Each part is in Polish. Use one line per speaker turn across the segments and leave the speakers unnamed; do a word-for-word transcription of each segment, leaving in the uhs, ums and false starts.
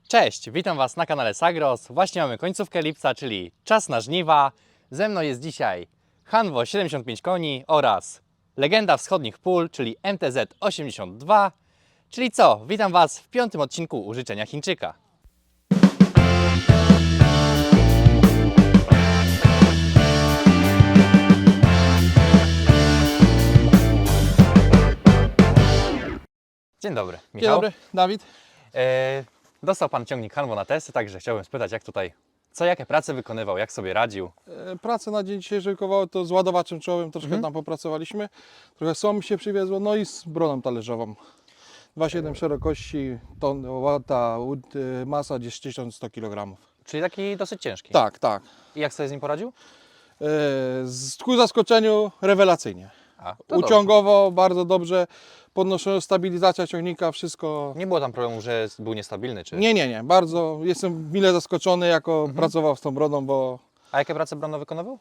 Cześć, witam Was na kanale Sagros. Właśnie mamy końcówkę lipca, czyli czas na żniwa. Ze mną jest dzisiaj Hanwoo siedemdziesiąt pięć koni oraz legenda wschodnich pól, czyli M T Z osiemdziesiąt dwa. Czyli co? Witam Was w piątym odcinku Użyczenia Chińczyka. Dzień dobry, Michał.
Dzień dobry, Dawid.
E, dostał Pan ciągnik Hanwoo na testy, także chciałbym spytać, jak tutaj, co, jakie prace wykonywał, jak sobie radził.
E, Pracę na dzień dzisiejszy koło to z ładowaczem czołowym troszkę
Mhm.
tam popracowaliśmy. Trochę słomy się przywiezło, no i z broną talerzową. dwa przecinek siedem szerokości, ton, ta y, masa gdzieś tysiąc sto kilogramów.
Czyli taki dosyć ciężki.
Tak, tak.
I jak sobie z nim poradził?
E, z, ku zaskoczeniu rewelacyjnie.
A, to
Uciągowo bardzo dobrze, podnoszona stabilizacja ciągnika, wszystko.
Nie było tam problemu, że był niestabilny, czy...
Nie, nie, nie, bardzo jestem mile zaskoczony, jako
Mhm.
pracował z tą brodą, bo
A jakie prace brono wykonywał?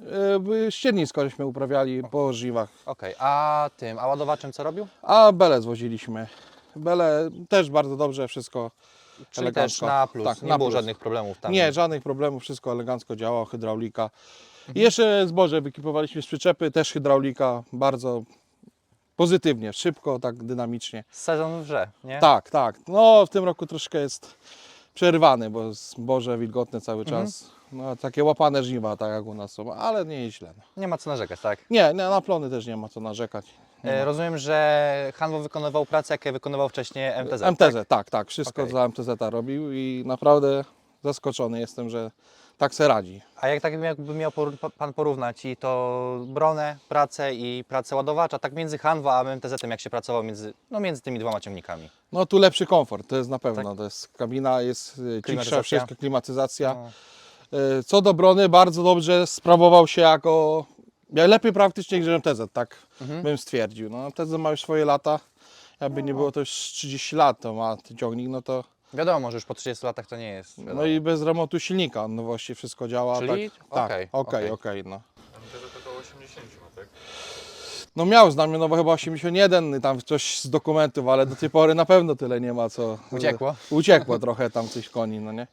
e, ściernisko żeśmy uprawiali po żniwach.
Okej, a tym, a ładowaczem co robił?
A belę zwoziliśmy. Belę też bardzo dobrze, wszystko
Czyli
elegancko.
też na plus,
Tak,
nie
na
było
plus.
żadnych problemów tam.
Nie, żadnych problemów, wszystko elegancko działało, hydraulika. I jeszcze zboże wykipowaliśmy z przyczepy, też hydraulika, bardzo pozytywnie, szybko, tak dynamicznie.
Sezon wrze, nie?
Tak, tak. No w tym roku troszkę jest przerwany, bo zboże wilgotne cały
Mhm.
czas. No, takie łapane żniwa, tak jak u nas są, ale nie jest źle. No.
Nie ma co narzekać, tak?
Nie, nie, na plony też nie ma co narzekać. Nie
E,
ma.
rozumiem, że Hanwoo wykonywał pracę, jakie wykonywał wcześniej M T Z,
M T Z,
tak?
tak, tak, wszystko
Okej.
za M T Z robił i naprawdę zaskoczony jestem, że tak se radzi.
A jak tak jakby miał poru- Pan porównać i to bronę, pracę i pracę ładowacza, tak między Hanwoo a M T Z-em, jak się pracował między, no, między tymi dwoma ciągnikami?
No tu lepszy komfort, to jest na pewno, to jest kabina, jest y, cichsza,
Klimatyzacja.
wszystko, klimatyzacja.
No.
Y, Co do brony, bardzo dobrze sprawował się jako, ja lepiej praktycznie niż M T Z, tak
Mhm.
bym stwierdził. No, M T Z ma już swoje lata, jakby nie było to już trzydzieści lat, to ma ten ciągnik, no to,
Wiadomo, że już po trzydziestu latach to nie jest.
no
wiadomo.
i bez remontu silnika, no właściwie wszystko działa.
Czyli?
Tak, tak,
Okej,
okej,
okej.
okej, no.
M T Z około osiemdziesiąt ma, tak?
No miał znamionowo chyba osiemdziesiąt jeden, tam coś z dokumentów, ale do tej pory na pewno tyle nie ma co.
Uciekło?
Uciekło trochę tam coś koni, no nie?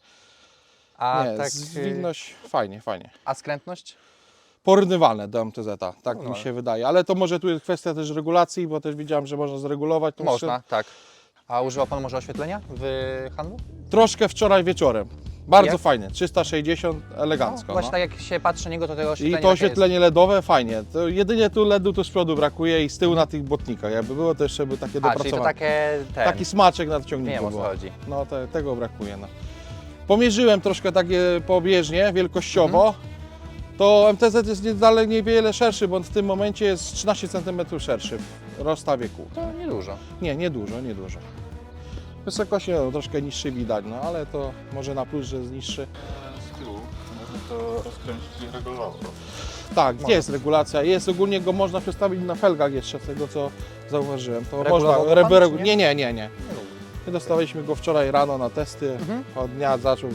A
Nie,
tak,
zwinność fajnie, fajnie.
a skrętność?
Porównywalne do M T Z, tak
No.
mi się wydaje, ale to może tu jest kwestia też regulacji, bo też widziałem, że można zregulować tą
Można, tak. A używał Pan może oświetlenia w Hanwoo?
strzał- Troszkę wczoraj wieczorem. Bardzo
Jak?
fajnie, trzysta sześćdziesiąt, elegancko.
No, właśnie
no.
tak jak się patrzy na niego, to tego
I
oświetlenia
to
takie
oświetlenie LEDowe fajnie. To jedynie tu LEDu tu z przodu brakuje i z tyłu na tych błotnikach. Jakby było to jeszcze by takie
jest. A, czyli to
dopracowane.
takie ten,
Taki smaczek nad
nie
ciągniku
wiem o co
było.
chodzi.
No te, tego brakuje. No. Pomierzyłem troszkę takie pobieżnie, wielkościowo.
Mhm.
To M T Z jest nie- dalej niewiele szerszy, bo on w tym momencie jest trzynaście centymetrów szerszy w rozstawie kół.
To niedużo.
Nie, nie dużo, nie dużo. Wysokości no, troszkę niższy widać, no ale to może na plus, że jest niższy.
Z tyłu można to rozkręcić i regulować.
Tak,
Można.
jest regulacja. Jest ogólnie go można przestawić na felgach jeszcze, z tego co zauważyłem. To
Regulował
można.
go pan,
regu-
czy nie?
nie, nie, nie, nie. My dostaliśmy go wczoraj rano na testy.
Mhm.
Od dnia zaczął.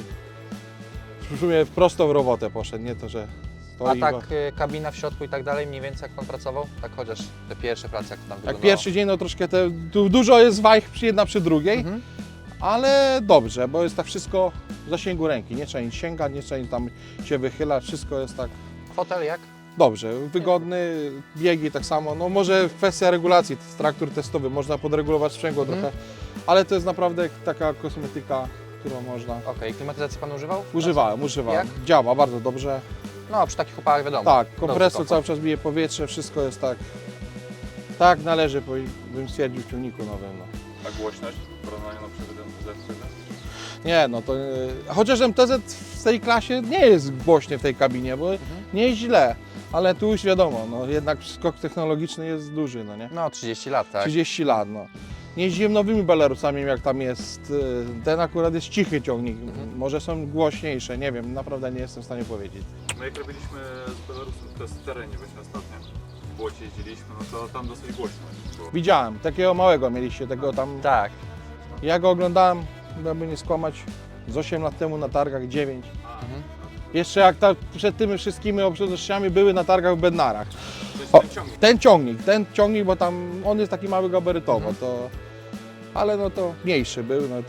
W sumie prosto w robotę poszedł, nie to, że
A
stoi.
tak
bo-
y, kabina w środku i tak dalej, mniej więcej jak Pan pracował? Tak chociaż te pierwsze prace, jak to tam
Jak
wyglądało?
pierwszy dzień, no troszkę te, tu dużo jest wajch przy- jedna przy drugiej,
Mhm.
ale dobrze, bo jest tak wszystko w zasięgu ręki. Nie trzeba nic sięgać, nie trzeba nic tam się wychylać, wszystko jest tak
Fotel jak?
dobrze, wygodny, biegi tak samo. No może kwestia regulacji, to jest traktor testowy, można podregulować sprzęgło
Mhm.
trochę, ale to jest naprawdę taka kosmetyka, którą można...
Okej, klimatyzację Pan używał?
Używałem, używałem.
Jak?
Działa bardzo dobrze.
No, przy takich opałach wiadomo.
Tak,
Dobry
kompresor
komfort.
cały czas bije powietrze, wszystko jest tak, tak należy, powi- bym stwierdził w ciągniku nowym. No.
A głośność w porównaniu na przykład do M T Z?
Nie, no to, yy, chociaż M T Z w tej klasie nie jest głośnie w tej kabinie, bo
Mhm.
nie jest źle, ale tu już wiadomo, no jednak skok technologiczny jest duży, no nie?
No, trzydzieści lat, tak?
trzydzieści lat, no. Nie jeździłem nowymi Belarusami, jak tam jest, yy, ten akurat jest cichy ciągnik,
Mhm.
może są głośniejsze, nie wiem, naprawdę nie jestem w stanie powiedzieć.
No jak robiliśmy z Belarusem test w terenie właśnie ostatnio, w błocie jeździliśmy, no to tam dosyć głośno było.
Widziałem, takiego małego mieliście, tego tam,
Tak.
ja go oglądałem, aby nie skłamać, z osiem lat temu na targach, dziewięć.
Mhm.
Jeszcze jak ta, przed tymi wszystkimi obszernościami były na targach w Bednarach.
To jest
O.
ten ciągnik.
Ten ciągnik, ten ciągnik, bo tam on jest taki mały gabarytowo,
Mhm.
to, ale no to mniejszy był, no tak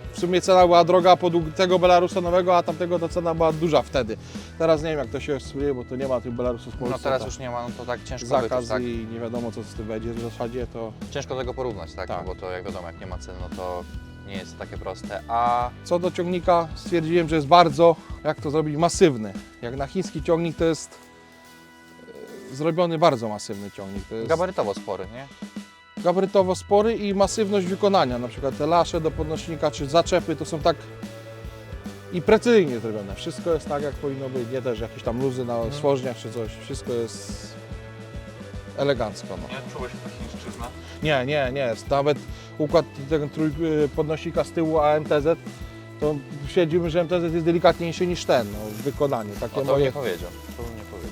w sumie cena była droga pod tego Belarusa nowego, a tamtego ta cena była duża wtedy. Teraz nie wiem jak to się słynie, bo to nie ma tych Belarusów w Polsce.
No teraz
to
już nie ma, no to tak ciężko
zakaz
wyczuć, tak?
i nie wiadomo co z tym będzie w zasadzie, to
Ciężko tego porównać, tak?
Tak.
No bo to jak wiadomo, jak nie ma ceny, no to nie jest takie proste. A
co do ciągnika stwierdziłem, że jest bardzo, jak to zrobić, masywny. Jak na chiński ciągnik to jest e, zrobiony bardzo masywny ciągnik. To jest
gabarytowo spory, nie?
gabarytowo spory i masywność wykonania. Na przykład te lasze do podnośnika czy zaczepy to są tak i precyzyjnie zrobione. Wszystko jest tak jak powinno być, nie też jakieś tam luzy na stworzniach czy coś. Wszystko jest elegancko. No.
Nie czułeś ta chińszczyzna?
Nie, nie, nie. Nawet układ tego trój, podnośnika z tyłu A M T Z, to stwierdzimy, że M T Z jest delikatniejszy niż ten no, w wykonaniu. Takie
O, to bym
moje,
nie powiedział. To bym nie powiedział.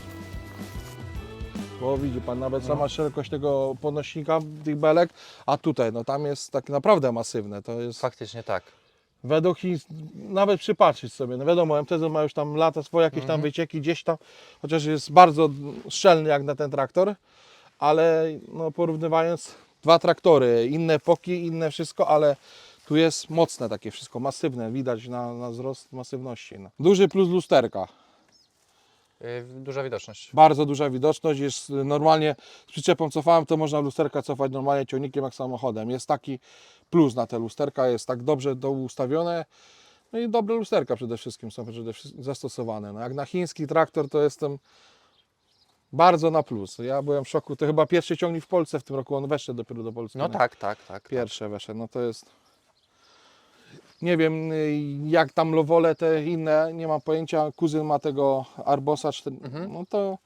bo widzi Pan nawet
No.
sama szerokość tego podnośnika, tych belek, a tutaj no tam jest tak naprawdę masywne. To jest
Faktycznie tak.
według Chin, nawet przypatrzeć sobie, no wiadomo, M T Z ma już tam lata swoje jakieś tam
Mhm.
wycieki gdzieś tam, chociaż jest bardzo szczelny jak na ten traktor, ale no porównywając dwa traktory, inne epoki, inne wszystko, ale tu jest mocne takie wszystko, masywne, widać na, na wzrost masywności. No. Duży plus lusterka,
Yy, duża widoczność.
bardzo duża widoczność, jest normalnie z przyczepą cofałem, to można lusterka cofać normalnie ciągnikiem jak samochodem. Jest taki plus na te lusterka, jest tak dobrze to ustawione. No i dobre lusterka przede wszystkim są przede wszystkim zastosowane. No jak na chiński traktor to jestem bardzo na plus. Ja byłem w szoku, to chyba pierwszy ciągnik w Polsce w tym roku, on weszedł dopiero do Polski.
No
nie?
tak, tak, tak.
Pierwsze weszedł, no to jest... Nie wiem jak tam Lowole te inne, nie mam pojęcia. Kuzyn ma tego Arbosa, cztery,
Mhm.
no to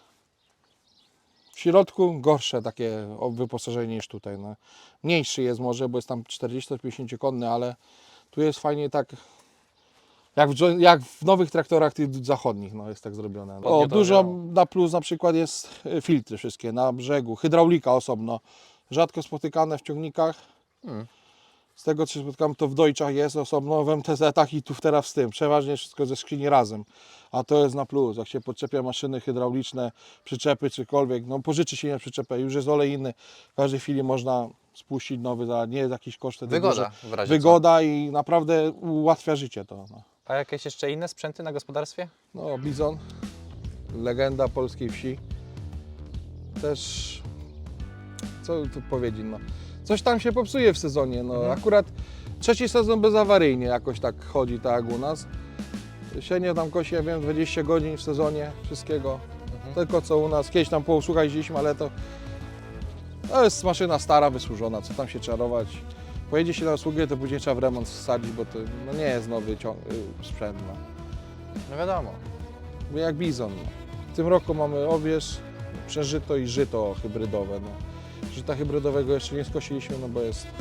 w środku gorsze takie wyposażenie niż tutaj. No. Mniejszy jest może, bo jest tam czterdzieści pięćdziesiąt konny, ale tu jest fajnie tak, jak w, jo- jak w nowych traktorach tych zachodnich no, jest tak zrobione. O,
Ładnie to
dużo
działało.
na plus na przykład jest y, filtry wszystkie na brzegu, hydraulika osobno, rzadko spotykane w ciągnikach.
Hmm.
Z tego co się spotkałem, to w Deutschach jest osobno, w M T Z-ach i tu teraz w tym. Przeważnie wszystko ze skrzyni razem. A to jest na plus. Jak się podczepia maszyny hydrauliczne, przyczepy czykolwiek, no pożyczy się na przyczepę, już jest olej inny. W każdej chwili można spuścić nowy, za nie jest jakiś koszt. wtedy
Wygoda
duży.
w razie
Wygoda i naprawdę ułatwia życie to. No,
co. A jakieś jeszcze inne sprzęty na gospodarstwie?
no Bizon, legenda polskiej wsi. Też, co tu powiedzieć, no. Coś tam się popsuje w sezonie, no
Mhm.
akurat trzeci sezon bezawaryjnie jakoś tak chodzi, tak jak u nas. Sienie tam kosi, ja wiem, dwadzieścia godzin w sezonie, wszystkiego.
Mhm.
Tylko co u nas, kiedyś tam posłuchać jeździliśmy, ale to, to jest maszyna stara, wysłużona, co tam się czarować. Pojedzie się na usługę, to później trzeba w remont wsadzić, bo to no, nie jest nowy cią- y, sprzęt. No.
No wiadomo.
Bo jak bizon. No. W tym roku mamy owierz, przeżyto i żyto hybrydowe. No. Żyta hybrydowego jeszcze nie skosiliśmy, no bo jest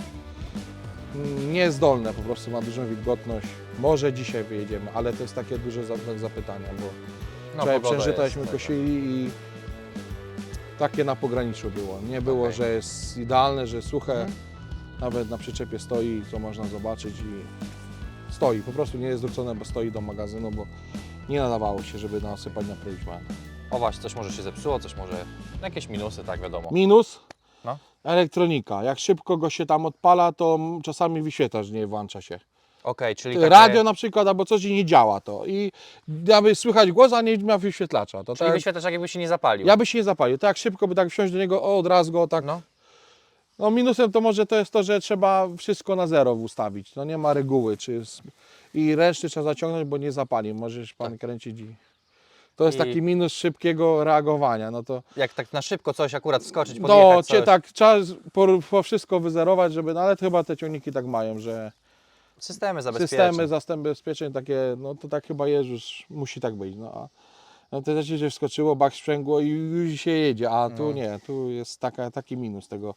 mm, niezdolne, po prostu ma dużą wilgotność. Może dzisiaj wyjedziemy, ale to jest takie duże znak zapytania, bo
No,
wczoraj
pogoda
przeżytaśmy,
jest,
kosili i takie na pograniczu było. Nie było,
Okej.
że jest idealne, że suche,
Mhm.
nawet na przyczepie stoi, co można zobaczyć i stoi. Po prostu nie jest zwrócone, bo stoi do magazynu, bo nie nadawało się, żeby nasypać na prośbę.
O właśnie, coś może się zepsuło, coś może... Jakieś minusy, tak wiadomo.
Minus?
No.
Elektronika. Jak szybko go się tam odpala, to m- czasami wyświetlacz nie włącza się.
Okej, czyli takie...
Radio na przykład, albo coś i nie działa to. I aby słychać głos, a nie ma wyświetlacza. To
Czyli
tak,
wyświetlacz jakby się nie zapalił.
ja by się nie zapalił. Tak szybko by tak wsiąść do niego, o, od razu go tak.
No.
No minusem to może to jest to, że trzeba wszystko na zero ustawić. No nie ma reguły. Czy jest... I ręczny trzeba zaciągnąć, bo nie zapali. Możesz pan
Tak.
kręcić i... To jest
I-
taki minus szybkiego reagowania. No to
Jak tak na szybko coś akurat wskoczyć,
no,
podjechać
cię
coś.
tak, trzeba z- po, po wszystko wyzerować, żeby, no ale chyba te ciągniki tak mają, że
Systemy zabezpieczeń.
systemy zabezpieczeń takie, no to tak chyba jest, już musi tak być. No, a no to też się wskoczyło, bak sprzęgło i już się jedzie, a tu
No.
nie, tu jest taka, taki minus tego.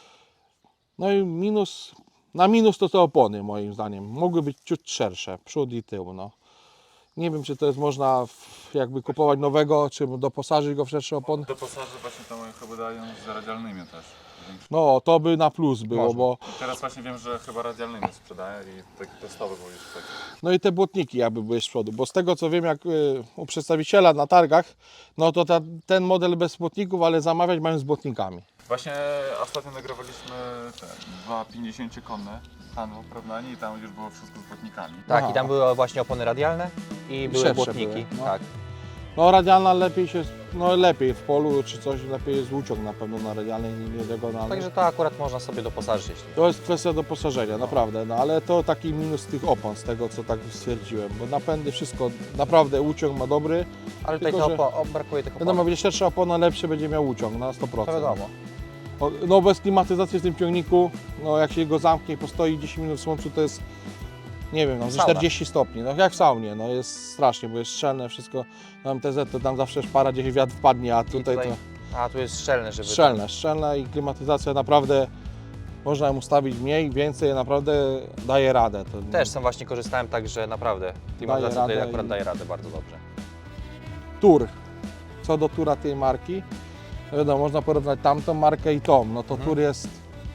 No i minus, na minus to te opony moim zdaniem, mogły być ciut szersze, przód i tył, no. Nie wiem, czy to jest można w, jakby kupować nowego, czy doposażyć go w szersze opony.
Do pasaży właśnie tam chyba dają z radialnymi też.
No, to by na plus było,
Można.
bo
Teraz właśnie wiem, że chyba radialnymi sprzedaje i taki testowy był już taki.
no i te błotniki jakby były z przodu, bo z tego co wiem, jak y, u przedstawiciela na targach, no to ta, ten model bez błotników, ale zamawiać mają z błotnikami.
Właśnie ostatnio nagrywaliśmy te dwa pięćdziesięciokonne Hanwo w porównaniu i tam już było wszystko z błotnikami.
Tak,
Aha.
i tam były właśnie opony radialne i były
szersze
błotniki.
były, no.
Tak.
No radialna lepiej się, no lepiej w polu czy coś, lepiej jest łuciąg na pewno na radialnej, nie diagonalnej.
Także to akurat można sobie doposażyć. Jeśli...
To jest kwestia doposażenia, naprawdę, no ale to taki minus tych opon, z tego co tak stwierdziłem, bo napędy, wszystko, naprawdę łuciąg ma dobry,
Ale tutaj
Tylko,
to
że-
opo- o, brakuje tych opon.
wiadomo, będzie szersza opona, lepszy będzie miał łuciąg na sto procent.
To wiadomo.
O, no bez klimatyzacji w tym ciągniku, no jak się go zamknie i postoi dziesięć minut w słońcu, to jest, nie wiem, no ze
Sauna.
czterdzieści stopni, no jak w saunie, no jest strasznie, bo jest szczelne wszystko, na M T Z to tam zawsze szpara, gdzieś wiatr wpadnie, a
I
tutaj,
tutaj,
to
A tu jest szczelne, żeby...
szczelne, szczelne i klimatyzacja naprawdę, można ją ustawić mniej, więcej, naprawdę daje radę. To
Też sam właśnie korzystałem, także naprawdę klimatyzacja tutaj
radę
akurat
i-
daje radę bardzo dobrze.
Tur, co do Tura tej marki, no wiadomo, można porównać tamtą markę i tą, no to
Mhm.
Tur jest,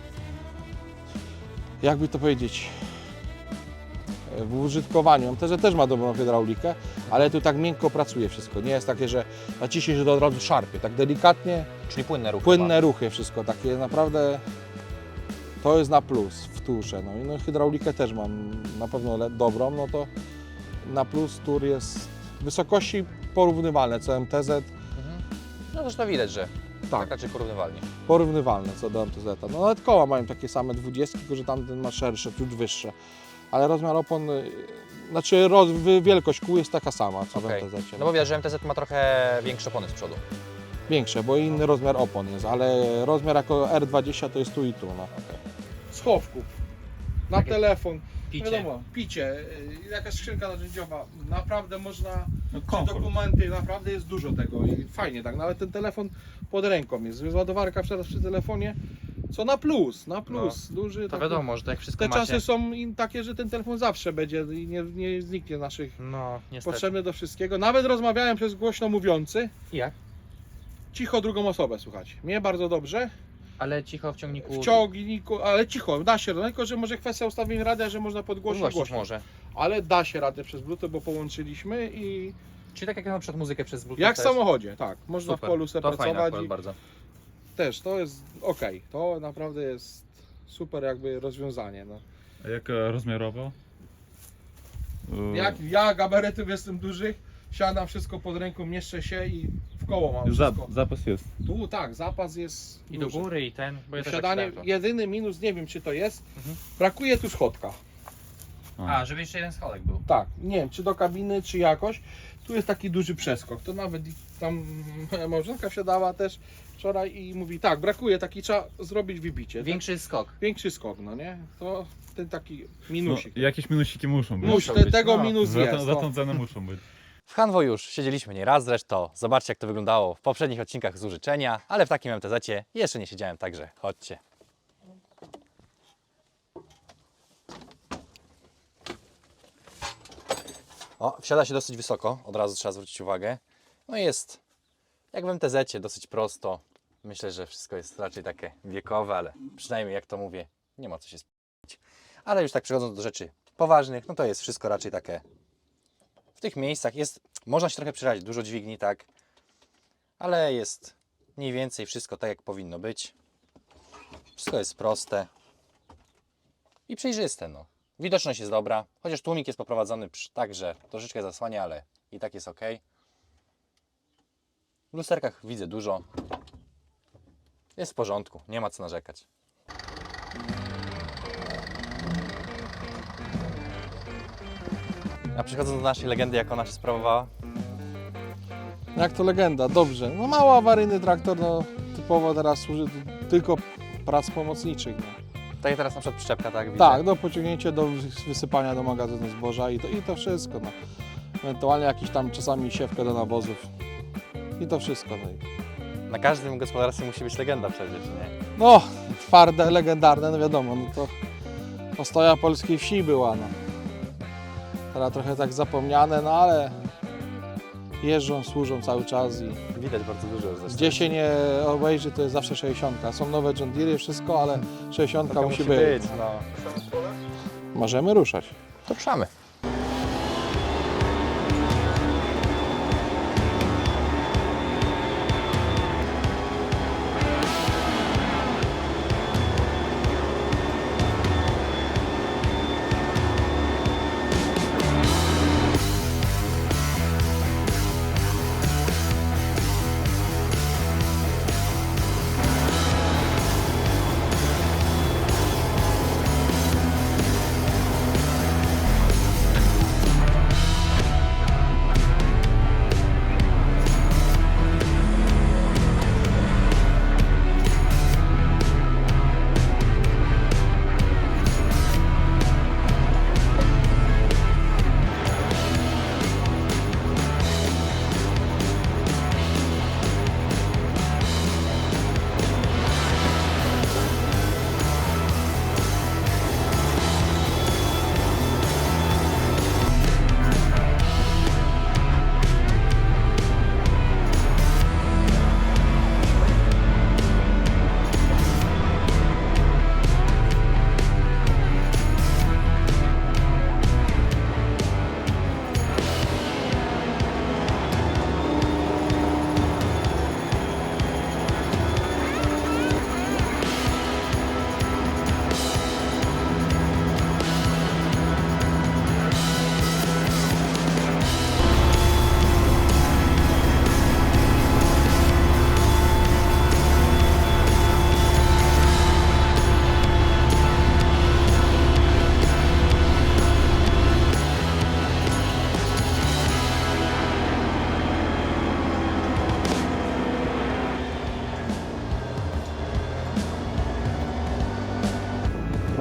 jakby to powiedzieć, w użytkowaniu, też, też ma dobrą hydraulikę, ale tu tak miękko pracuje wszystko, nie jest takie, że naciśnie, że to od razu szarpie, tak delikatnie,
Czyli płynne ruchy.
płynne ruchy, wszystko takie naprawdę, to jest na plus w Turze, no i no, hydraulikę też mam na pewno le- dobrą, no to na plus Tur jest wysokości porównywalne, co M T Z,
Mhm. No zresztą widać, że tak
tak,
raczej porównywalnie.
porównywalne co do M T Z. No nawet koła mają takie same dwudziestki, tylko że tamten ma szersze, ciut wyższe. Ale rozmiar opon, y, znaczy roz, wy- wielkość kół jest taka sama co
Okej.
w M T Z.
No bo widać, że M T Z ma trochę większe opony z przodu.
Większe, bo inny rozmiar opon jest, ale rozmiar jako R dwadzieścia to jest tu i tu. No. Schowków, na
Takie
telefon,
picie.
wiadomo, picie, y, jakaś skrzynka narzędziowa, naprawdę można,
No,
czy
komfort.
dokumenty, naprawdę jest dużo tego i fajnie tak, nawet ten telefon pod ręką jest, ładowarka teraz przy telefonie, co na plus, na plus, duży.
To
taki-
wiadomo, że to jak wszystko
Te
macie...
czasy są in- takie, że ten telefon zawsze będzie i nie, nie zniknie naszych,
No, niestety.
potrzebny do wszystkiego. Nawet rozmawiałem przez głośno mówiący,
I jak?
cicho drugą osobę słuchać. Mnie bardzo dobrze,
Ale cicho w ciągniku...
w ciągniku, ale cicho, da się, no, tylko że może kwestia ustawień radia, że można podgłosić
Głośnić
głośno.
może.
Ale da się radę przez Bluetooth, bo połączyliśmy i
Czyli tak jak na przykład muzykę przez Bluetooth
jak w
też.
samochodzie, tak, można
Super.
w polu sobie
To fajne
pracować
akurat
i
bardzo.
też to jest ok, to naprawdę jest super jakby rozwiązanie. No.
A jak e, rozmiarowo? E,
Jak ja gabarytów jestem dużych, siadam wszystko pod ręką, mieszczę się i w koło mam
za,
wszystko.
zapas jest.
Tu tak, zapas jest
I do
duży.
góry i ten, bo ja też
Siadanie,
tak czytałem
jedyny minus, nie wiem czy to jest,
Mhm.
brakuje tu schodka.
to. A, żeby jeszcze jeden schodek był.
Tak, nie wiem czy do kabiny, czy jakoś. Tu jest taki duży przeskok, to nawet i tam moja małżonka wsiadała też wczoraj i mówi tak, brakuje, taki trzeba zrobić wybicie.
Większy skok.
Tak, większy skok, no nie? To ten taki
No,
minusik.
jakieś minusiki muszą być.
Musi,
muszą
te,
być,
tego
no.
minus
Za,
jest.
tą, za
no.
tą cenę muszą być.
W Hanwo już siedzieliśmy nieraz zresztą. Zobaczcie jak to wyglądało w poprzednich odcinkach z użyczenia, ale w takim M T Z-cie jeszcze nie siedziałem, także chodźcie. O, wsiada się dosyć wysoko, od razu trzeba zwrócić uwagę. No i jest jak w M T Z-cie, dosyć prosto. Myślę, że wszystko jest raczej takie wiekowe, ale przynajmniej jak to mówię, nie ma co się spić. Ale już tak przechodząc do rzeczy poważnych, no to jest wszystko raczej takie w tych miejscach jest, można się trochę przerazić, dużo dźwigni, tak, ale jest mniej więcej wszystko tak, jak powinno być. Wszystko jest proste i przejrzyste, no. Widoczność jest dobra, chociaż tłumik jest poprowadzony przy- tak, że troszeczkę zasłania, ale i tak jest ok. W lusterkach widzę dużo. Jest w porządku, nie ma co narzekać. A przechodząc do naszej legendy, jak ona się sprawowała?
Jak to legenda, dobrze. No mało awaryjny traktor, no typowo teraz służy do- tylko prac pomocniczych. No.
Tak jak teraz na przykład przyczepka, tak? Widzę.
Tak, do pociągnięcia, do wysypania do magazynu zboża i to, i to wszystko. No. Ewentualnie jakiś tam czasami siewkę do nawozów. I to wszystko. No, i-
Na każdym gospodarstwie musi być legenda przecież, nie?
no twarde, legendarne, no wiadomo, no to ostoja polskiej wsi była. No. Teraz trochę tak zapomniane, no ale jeżdżą, służą cały czas i
Widać bardzo dużo zresztą.
gdzie się nie obejrzy, to jest zawsze sześćdziesiątka. Są nowe John Deere, wszystko, ale sześćdziesiątka
To
musi być.
no.
Możemy ruszać.
To przamy.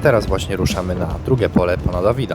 teraz właśnie ruszamy na drugie pole pana Dawida.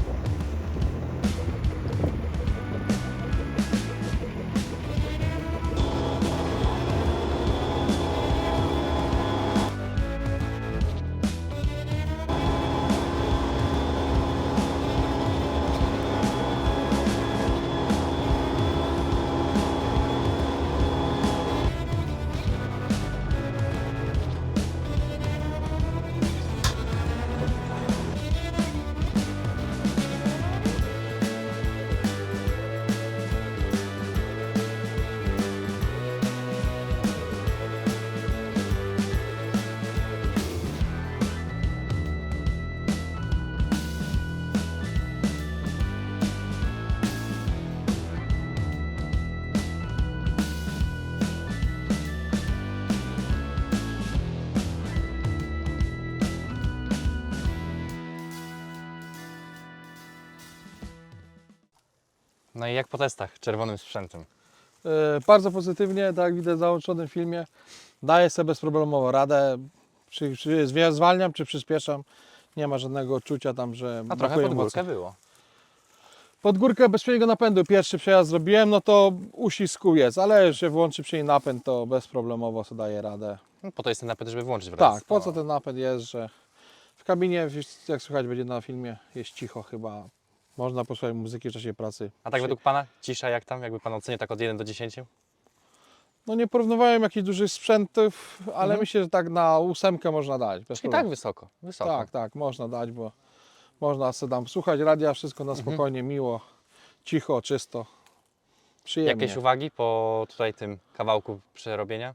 No i jak po testach czerwonym sprzętem?
Yy, bardzo pozytywnie, tak jak widać w załączonym filmie. Daję sobie bezproblemowo radę. Czy, czy zwie- zwalniam, czy przyspieszam. Nie ma żadnego odczucia tam, że
A trochę
brakuje
pod górkę
mocy.
było.
Pod górkę bezpośredniego napędu pierwszy przejazd zrobiłem, no to uścisku jest, ale jak się włączy przy napęd, to bezproblemowo sobie daje radę.
No, po to jest ten napęd, żeby włączyć w razie
Tak, po co
stała.
ten napęd jest, że w kabinie, jak słychać będzie na filmie, jest cicho chyba. Można posłuchać muzyki w czasie pracy.
A tak według pana? Cisza jak tam? Jakby pan ocenił tak od jeden do dziesięciu?
No nie porównywałem jakichś dużych sprzętów, ale
Mhm.
myślę, że tak na ósemkę można dać. Bez
I
problemu.
tak wysoko, wysoko.
Tak, tak, można dać, bo można sobie tam słuchać radia, wszystko na
Mhm.
spokojnie, miło, cicho, czysto, przyjemnie.
Jakieś uwagi po tutaj tym kawałku przerobienia?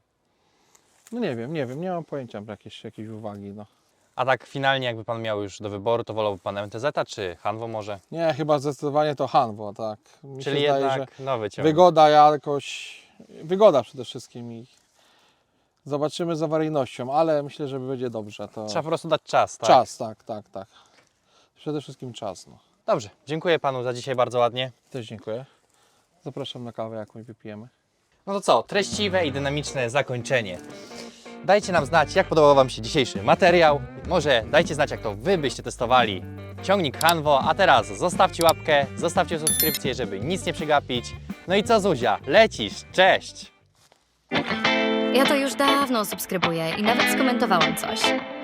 No nie wiem, nie wiem, nie mam pojęcia jakieś, jakieś uwagi. No.
A tak finalnie jakby pan miał już do wyboru, to wolałby pan M T Z czy Hanwo może?
Nie, chyba zdecydowanie to Hanwo, tak. Mi
Czyli
się zdaje,
jednak
że
nowy ciągnik.
wygoda jakoś, wygoda przede wszystkim i zobaczymy z awaryjnością, ale myślę, że będzie dobrze. To
Trzeba po prostu dać czas, tak?
czas, tak, tak, tak. Przede wszystkim czas. No.
Dobrze, dziękuję panu za dzisiaj bardzo ładnie.
Też dziękuję. Zapraszam na kawę, jakąś wypijemy.
No to co, treściwe i dynamiczne zakończenie. Dajcie nam znać, jak podobał wam się dzisiejszy materiał. Może dajcie znać, jak to wy byście testowali ciągnik Hanwo. A teraz zostawcie łapkę, zostawcie subskrypcję, żeby nic nie przegapić. No i co, Zuzia, lecisz, cześć!
Ja to już dawno subskrybuję i nawet skomentowałam coś.